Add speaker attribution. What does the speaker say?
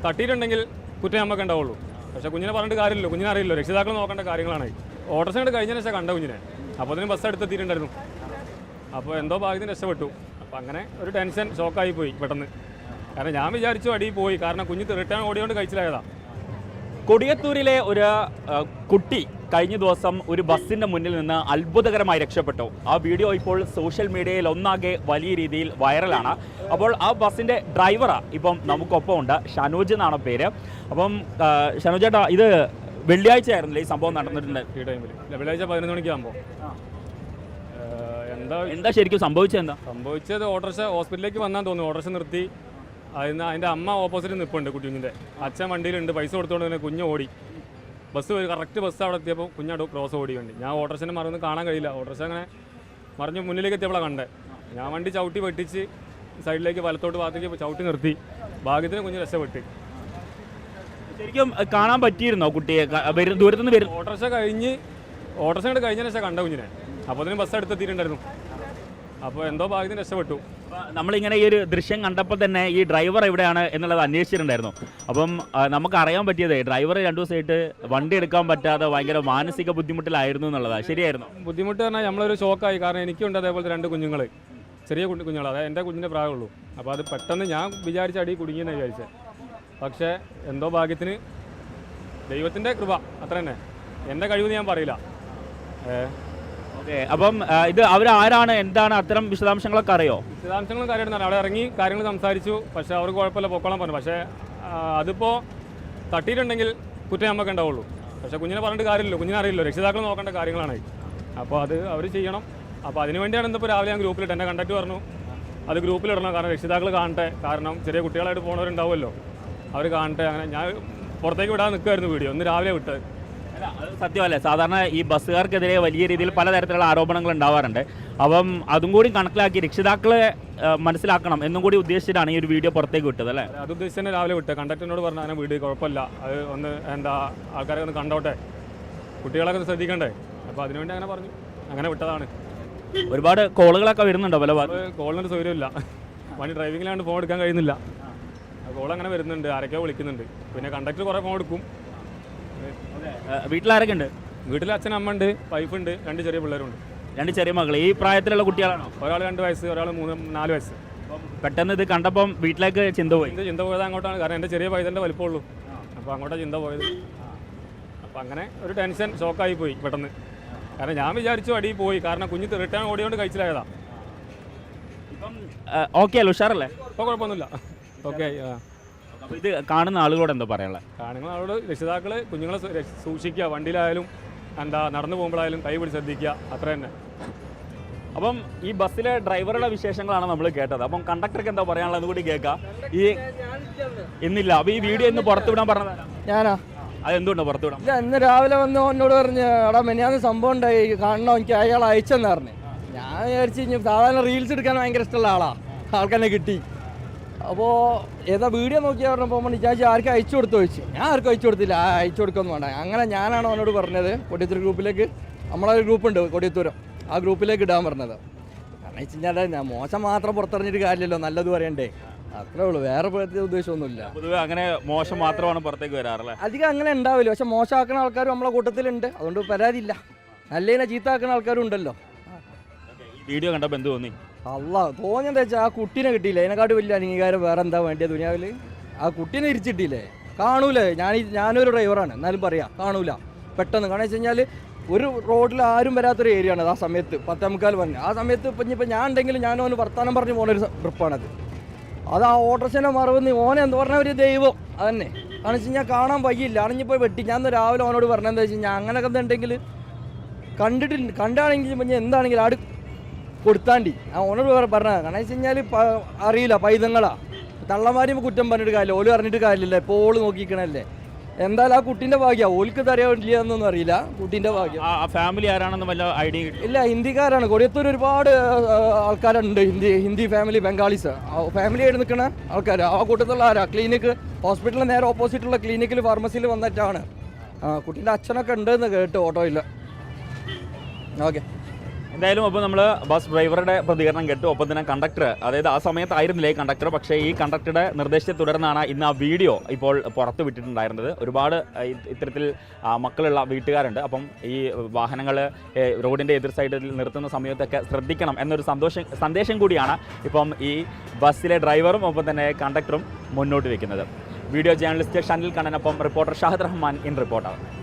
Speaker 1: തട്ടിയിട്ടുണ്ടെങ്കിൽ കുറ്റം നമുക്ക് ഉണ്ടാവുള്ളൂ. പക്ഷേ കുഞ്ഞിനെ പറഞ്ഞിട്ട് കാര്യമില്ലല്ലോ, കുഞ്ഞിനെ അറിയില്ലോ, രക്ഷിതാക്കൾ നോക്കേണ്ട കാര്യങ്ങളാണ്. ഓട്ടോറിക്ഷ കൊണ്ട് കഴിഞ്ഞതിന് ശേഷം കണ്ട കുഞ്ഞിനെ, അപ്പോൾ അതിന് ബസ് എടുത്തെത്തിയിട്ടുണ്ടായിരുന്നു. അപ്പോൾ എന്തോ ഭാഗ്യത്തിന് രക്ഷപ്പെട്ടു. അപ്പോൾ അങ്ങനെ ഒരു ടെൻഷൻ ഷോക്കായി പോയി പെട്ടെന്ന്. കാരണം ഞാൻ വിചാരിച്ചു അടിയിൽ പോയി, കാരണം കുഞ്ഞ് റിട്ടേൺ ഓടിയോണ്ട് കഴിച്ചിലായതാണ്.
Speaker 2: കൊടിയത്തൂരിലെ ഒരു കുട്ടി കഴിഞ്ഞ ദിവസം ഒരു ബസ്സിൻ്റെ മുന്നിൽ നിന്ന് അത്ഭുതകരമായി രക്ഷപ്പെട്ടു. ആ വീഡിയോ ഇപ്പോൾ സോഷ്യൽ മീഡിയയിൽ ഒന്നാകെ വലിയ രീതിയിൽ വൈറലാണ്. അപ്പോൾ ആ ബസ്സിൻ്റെ ഡ്രൈവറാണ് ഇപ്പം നമുക്കൊപ്പം ഉണ്ട്, ഷനോജ് എന്നാണ് പേര്. അപ്പം ഷനോജ് ചേട്ടാ, ഇത് വെള്ളിയാഴ്ച ആയിരുന്നില്ലേ ഈ സംഭവം നടന്നിട്ടുണ്ട്?
Speaker 1: ഈ ടൈമിൽ വെള്ളിയാഴ്ച 11 മണിക്കാകുമ്പോൾ
Speaker 2: എന്താ ശരിക്കും സംഭവിച്ചത്?
Speaker 1: സംഭവിച്ചത് ഓട്ടോറിക്ഷ ഹോസ്പിറ്റലിലേക്ക് വന്നാൽ തോന്നുന്നു. ഓട്ടോറിക്ഷ നിർത്തി, അതിൻ്റെ അമ്മ ഓപ്പോസിറ്റ് നിൽപ്പുണ്ട്, കുഞ്ഞിൻ്റെ അച്ഛൻ വണ്ടിയിലുണ്ട്. പൈസ കൊടുത്തുകൊണ്ട് തന്നെ കുഞ്ഞ് ഓടി. ബസ് കറക്റ്റ് ബസ് അവിടെ എത്തിയപ്പോൾ കുഞ്ഞാട് ക്രോസ് ഓടി വണ്ടി. ഞാൻ ഓട്ടോറിക്ഷനെ മറന്ന് കാണാൻ കഴിയില്ല. ഓട്ടോറിക്ഷ അങ്ങനെ മറിഞ്ഞ് മുന്നിലേക്ക് എത്തിയപ്പോഴാണ് കണ്ടേ. ഞാൻ വണ്ടി ചവിട്ടി വെട്ടിച്ച് സൈഡിലേക്ക് വലത്തോട്ട് ഭാഗത്തേക്ക് ചവിട്ടി നിർത്തി. ഭാഗ്യത്തിന് കുഞ്ഞ് രക്ഷപ്പെട്ട്.
Speaker 2: ശരിക്കും കാണാൻ പറ്റിയിരുന്നോ കുട്ടിയെ? ദൂരത്തുനിന്ന് വരും.
Speaker 1: ഓട്ടോറിക്ഷ കൊണ്ട് കഴിഞ്ഞതിന് ശേഷം കണ്ട കുഞ്ഞിനെ, അപ്പോൾ അതിന് ബസ് എടുത്തെത്തിയിട്ടുണ്ടായിരുന്നു. അപ്പോൾ എന്തോ ഭാഗ്യത്തിന് രക്ഷപ്പെട്ടു.
Speaker 2: നമ്മളിങ്ങനെ ഈ ഒരു ദൃശ്യം കണ്ടപ്പോൾ തന്നെ ഈ ഡ്രൈവർ എവിടെയാണ് എന്നുള്ളത് അന്വേഷിച്ചിട്ടുണ്ടായിരുന്നു. അപ്പം നമുക്ക് അറിയാൻ പറ്റിയത് ഡ്രൈവർ 2 ദിവസമായിട്ട് വണ്ടി എടുക്കാൻ പറ്റാതെ ഭയങ്കര മാനസിക ബുദ്ധിമുട്ടിലായിരുന്നു എന്നുള്ളതാണ്. ശരിയായിരുന്നു?
Speaker 1: ബുദ്ധിമുട്ട് പറഞ്ഞാൽ നമ്മളൊരു ഷോക്കായി. കാരണം എനിക്കുണ്ട് അതേപോലത്തെ 2 കുഞ്ഞുങ്ങൾ, ചെറിയ കുഞ്ഞുങ്ങൾ. അതായത് എൻ്റെ കുഞ്ഞിൻ്റെ പ്രായമുള്ളൂ. അപ്പോൾ അത് പെട്ടെന്ന് ഞാൻ വിചാരിച്ച അടി കുടുങ്ങിയെന്ന് വിചാരിച്ചത്. പക്ഷേ എന്തോ ഭാഗ്യത്തിന് ദൈവത്തിൻ്റെ കൃപ, അത്ര തന്നെ. എൻ്റെ കഴിവ് ഞാൻ പറയില്ല.
Speaker 2: ഓക്കെ, അപ്പം ഇത് അവരാരാണ്, എന്താണ്, അത്തരം വിശദാംശങ്ങളൊക്കെ അറിയോ?
Speaker 1: വിശദാംശങ്ങളും കാര്യമായിട്ട് അവിടെ ഇറങ്ങി കാര്യങ്ങൾ സംസാരിച്ചു. പക്ഷേ അവർക്ക് കുഴപ്പമില്ല, പൊക്കോളാൻ പറഞ്ഞു. പക്ഷേ അതിപ്പോൾ തട്ടിയിട്ടുണ്ടെങ്കിൽ കുറ്റം നമുക്ക് ഉണ്ടാവുള്ളൂ. പക്ഷേ കുഞ്ഞിനെ പറഞ്ഞിട്ട് കാര്യമില്ലല്ലോ, കുഞ്ഞിനെ അറിയില്ലോ, രക്ഷിതാക്കൾ നോക്കേണ്ട കാര്യങ്ങളാണ്. അപ്പോൾ അത് അവർ ചെയ്യണം. അപ്പോൾ അതിന് വേണ്ടിയാണ് ഇന്നിപ്പോൾ രാവിലെ ഞാൻ ഗ്രൂപ്പിലിട്ട്, എൻ്റെ കണ്ടക്ട് പറഞ്ഞു അത് ഗ്രൂപ്പിലിടണം. കാരണം രക്ഷിതാക്കൾ കാണട്ടെ, കാരണം ചെറിയ കുട്ടികളായിട്ട് പോകുന്നവരുണ്ടാവുമല്ലോ, അവർ കാണട്ടെ. അങ്ങനെ ഞാൻ പുറത്തേക്ക് വിടാൻ നിൽക്കുമായിരുന്നു വീഡിയോ, ഇന്ന് രാവിലെ വിട്ടത്.
Speaker 2: അത് സത്യമല്ലേ? സാധാരണ ഈ ബസ്സുകാർക്കെതിരെ വലിയ രീതിയിൽ പലതരത്തിലുള്ള ആരോപണങ്ങൾ ഉണ്ടാവാറുണ്ട്. അപ്പം അതും കൂടി കണക്കിലാക്കി രക്ഷിതാക്കളെ മനസ്സിലാക്കണം എന്നും കൂടി ഉദ്ദേശിച്ചിട്ടാണ് ഈ ഒരു വീഡിയോ പുറത്തേക്ക് വിട്ടത്, അല്ലേ?
Speaker 1: അത് ഉദ്ദേശിച്ച് തന്നെ രാവിലെ വിട്ടത്. കണ്ടക്ടറിനോട് പറഞ്ഞു അങ്ങനെ വീഡിയോ കുഴപ്പമില്ല, അത് ഒന്ന് ആൾക്കാരെ ഒന്ന് കണ്ടോട്ടെ, കുട്ടികളൊക്കെ ഒന്ന് ശ്രദ്ധിക്കണ്ടേ. അപ്പോൾ അതിനുവേണ്ടി അങ്ങനെ പറഞ്ഞു, അങ്ങനെ വിട്ടതാണ്.
Speaker 2: ഒരുപാട് കോളുകളൊക്കെ വരുന്നുണ്ടോ? പല
Speaker 1: കോളിനൊരു സൗകര്യമില്ല, വണ്ടി ഡ്രൈവിങ്ങിലാണ്ട് ഫോൺ എടുക്കാൻ കഴിയുന്നില്ല. കോൾ അങ്ങനെ വരുന്നുണ്ട്, ആരൊക്കെയോ വിളിക്കുന്നുണ്ട്. പിന്നെ കണ്ടക്ടർ കുറേ ഫോൺ എടുക്കും.
Speaker 2: വീട്ടിലാരൊക്കെ ഉണ്ട്?
Speaker 1: വീട്ടിൽ അച്ഛൻ, അമ്മ ഉണ്ട്, വൈഫുണ്ട്, 2 ചെറിയ പിള്ളേരുണ്ട്.
Speaker 2: 2 ചെറിയ മക്കൾ. ഈ പ്രായത്തിലുള്ള കുട്ടികളാണോ?
Speaker 1: ഒരാൾ 2 വയസ്സ്, ഒരാൾ 4 വയസ്സ്.
Speaker 2: പെട്ടെന്ന് ഇത് കണ്ടപ്പം വീട്ടിലേക്ക് ചിന്ത
Speaker 1: പോയത് അങ്ങോട്ടാണ്. കാരണം എൻ്റെ ചെറിയ പൈതൻ്റെ വലിപ്പമുള്ളൂ, അപ്പോൾ അങ്ങോട്ടാണ് ചിന്ത പോയത്. അപ്പോൾ അങ്ങനെ ഒരു ടെൻഷൻ ഷോക്കായി പോയി പെട്ടെന്ന്. കാരണം ഞാൻ വിചാരിച്ചു അടിയിൽ പോയി, കാരണം കുഞ്ഞ് റിട്ടേൺ ഓടിയോണ്ട് കഴിച്ചിലായതാണ്.
Speaker 2: ഇപ്പം ഓക്കെ അല്ലേ, ഉഷാറല്ലേ?
Speaker 1: ഇപ്പോൾ കുഴപ്പമൊന്നുമില്ല, ഓക്കെ.
Speaker 2: അപ്പോൾ ഇത് കാണുന്ന ആളുകളോട് എന്താ പറയാനുള്ളത്?
Speaker 1: കാണുന്ന ആളോട് രക്ഷിതാക്കൾ കുഞ്ഞുങ്ങളെ സൂക്ഷിക്കുക, വണ്ടിയിലായാലും നടന്നു പോകുമ്പോഴായാലും കൈ പിടിച്ച് ശ്രദ്ധിക്കുക, അത്ര തന്നെ.
Speaker 2: അപ്പം ഈ ബസ്സിലെ ഡ്രൈവറുടെ വിശേഷങ്ങളാണ് നമ്മൾ കേട്ടത്. അപ്പം കണ്ടക്ടർക്ക് എന്താ പറയാനുള്ളത് കൂടി കേൾക്കാം. ഈ ഇന്നില്ല, അപ്പോൾ ഈ വീഡിയോ ഇന്ന് പുറത്തുവിടാൻ പറഞ്ഞത്
Speaker 3: ഞാനാ.
Speaker 2: അതെന്തുകൊണ്ടോ പുറത്തുവിടാം?
Speaker 3: ഇല്ല, ഇന്ന് രാവിലെ വന്ന് എന്നോട് പറഞ്ഞ് എടാ മെനിയാന്ന് സംഭവം ഉണ്ടായി, കാണണോ, എനിക്ക് അയാൾ അയച്ചെന്ന് പറഞ്ഞു. ഞാൻ വിചാരിച്ചു കഴിഞ്ഞാൽ സാധാരണ റീൽസ് എടുക്കാൻ ഭയങ്കര ഇഷ്ടമുള്ള ആൾക്കെന്നെ കിട്ടി. അപ്പോൾ ഏതാ വീഡിയോ നോക്കിയാൽ പറഞ്ഞപ്പോൾ വിചാരിച്ചു ആർക്കും അയച്ചു കൊടുത്തു ചോദിച്ചു. ഞാൻ ആർക്കും അയച്ചു കൊടുത്തില്ല, അയച്ചു കൊടുക്കൊന്നും വേണ്ട. അങ്ങനെ ഞാനാണ് അവനോട് പറഞ്ഞത് കൊടിയത്തൂർ ഗ്രൂപ്പിലേക്ക്, നമ്മളൊരു ഗ്രൂപ്പുണ്ട് കൊടിയത്തൂരം, ആ ഗ്രൂപ്പിലേക്ക് ഇടാൻ പറഞ്ഞത്. കാരണം വെച്ച് കഴിഞ്ഞാൽ ഞാൻ മോശം മാത്രം പുറത്തിറങ്ങിയിട്ട് കാര്യമില്ലല്ലോ, നല്ലത് പറയണ്ടേ, അത്രേ ഉള്ളൂ. വേറെ പ്രത്യേക ഉദ്ദേശമൊന്നുമില്ല.
Speaker 2: പൊതുവെ അങ്ങനെ മോശം മാത്രമാണ് പുറത്തേക്ക് വരാറല്ലേ?
Speaker 3: അധികം അങ്ങനെ ഉണ്ടാവില്ല, പക്ഷെ മോശമാക്കുന്ന ആൾക്കാരും നമ്മളെ കൂട്ടത്തിലുണ്ട്, അതുകൊണ്ട് പരാതിയില്ല. നല്ലതിനെ ചീത്താക്കുന്ന ആൾക്കാരും ഉണ്ടല്ലോ.
Speaker 2: വീഡിയോ കണ്ടപ്പോൾ എന്ത് തോന്നി?
Speaker 3: തോന്നിയെന്താ വെച്ചാൽ ആ കുട്ടീനെ കിട്ടിയില്ലേ, അതിനെക്കാട്ടും വലിയ അംഗീകാരം വേറെ എന്താ വേണ്ടിയത് ദുനിയാവിൽ? ആ കുട്ടീനെ ഇരിച്ചിട്ടില്ലേ, കാണൂലേ? ഞാനൊരു ഡ്രൈവറാണ്, എന്നാലും പറയാം കാണൂല പെട്ടെന്ന്. കാരണം വെച്ച് കഴിഞ്ഞാൽ ഒരു റോഡിൽ ആരും വരാത്തൊരു ഏരിയ ആണ് ആ സമയത്ത്, 10:45 പറഞ്ഞ്. ആ സമയത്ത് ഇപ്പം ഞാൻ ഉണ്ടെങ്കിലും ഞാനോന് വർത്താനം പറഞ്ഞ് പോകുന്നൊരു ട്രിപ്പാണത്. അത് ആ ഓട്ടോറിക്ഷൻ്റെ മറവെന്ന് ഓനെ എന്താ പറഞ്ഞ ഒരു ദൈവം അതന്നെ. കാരണം വെച്ച് കഴിഞ്ഞാൽ കാണാൻ വയ്യില്ല, അണിഞ്ഞിപ്പോയി വെട്ടി. ഞാൻ രാവിലെ ഓനോട് പറഞ്ഞതെന്താ വെച്ച് കഴിഞ്ഞാൽ അങ്ങനെയൊക്കെ എന്തുണ്ടെങ്കിൽ കണ്ടാണെങ്കിൽ പിന്നെ എന്താണെങ്കിലും ആട് കൊടുത്താണ്ടി ആ ഓനോട് പറഞ്ഞത്. കാരണം വെച്ച് കഴിഞ്ഞാൽ അറിയില്ല, പൈതങ്ങളാ, തള്ളമാരും കുറ്റം പറഞ്ഞിട്ട് കാര്യമില്ല, ഓല് പറഞ്ഞിട്ട് കാര്യമില്ല, ഇപ്പോൾ ഓള് നോക്കിക്കണല്ലേ. എന്തായാലും ആ കുട്ടീൻ്റെ ഭാഗ്യം, ഓൽക്ക് തരയില്ല എന്നൊന്നും അറിയില്ല, കുട്ടീൻ്റെ ഭാഗ്യം.
Speaker 2: ഫാമിലി ആരാണെന്ന് വല്ല ഐഡിയ
Speaker 3: ഇല്ല, ഹിന്ദിക്കാരാണ്. കൊടിയത്തൂർ ഒരുപാട് ആൾക്കാരുണ്ട്, ഹിന്ദി ഫാമിലി, ബംഗാളീസ് ഫാമിലി ആയിട്ട് നിൽക്കുന്ന ആൾക്കാർ. ആ കൂട്ടത്തിലുള്ള ആരാ ക്ലിനിക്ക്, ഹോസ്പിറ്റലിന് നേരെ ഓപ്പോസിറ്റുള്ള ക്ലിനിക്കിൽ ഫാർമസിയിൽ വന്നിട്ടാണ്. കുട്ടീൻ്റെ അച്ഛനൊക്കെ ഉണ്ടെന്ന് കേട്ട് ഓട്ടോയിൽ. ഓക്കെ.
Speaker 2: എന്തായാലും അപ്പോൾ നമ്മൾ ബസ് ഡ്രൈവറുടെ പ്രതികരണം കേട്ടു. ഒപ്പം തന്നെ കണ്ടക്ടർ, അതായത് ആ സമയത്തായിരുന്നില്ലേ കണ്ടക്ടർ, പക്ഷേ ഈ കണ്ടക്ടറുടെ നിർദ്ദേശത്തെ തുടർന്നാണ് ഇന്ന് ആ വീഡിയോ ഇപ്പോൾ പുറത്ത് വിട്ടിട്ടുണ്ടായിരുന്നത്. ഒരുപാട് ഇത്തരത്തിൽ മക്കളുള്ള വീട്ടുകാരുണ്ട്. അപ്പം ഈ വാഹനങ്ങൾ റോഡിൻ്റെ എതിർ സൈഡിൽ നിർത്തുന്ന സമയത്തൊക്കെ ശ്രദ്ധിക്കണം എന്നൊരു സന്ദേശം കൂടിയാണ് ഇപ്പം ഈ ബസ്സിലെ ഡ്രൈവറും ഒപ്പം തന്നെ കണ്ടക്ടറും മുന്നോട്ട് വയ്ക്കുന്നത്. വീഡിയോ ജേർണലിസ്റ്റ് ഷനിൽ കണ്ണനൊപ്പം reporter Shahid Rahman in reporter.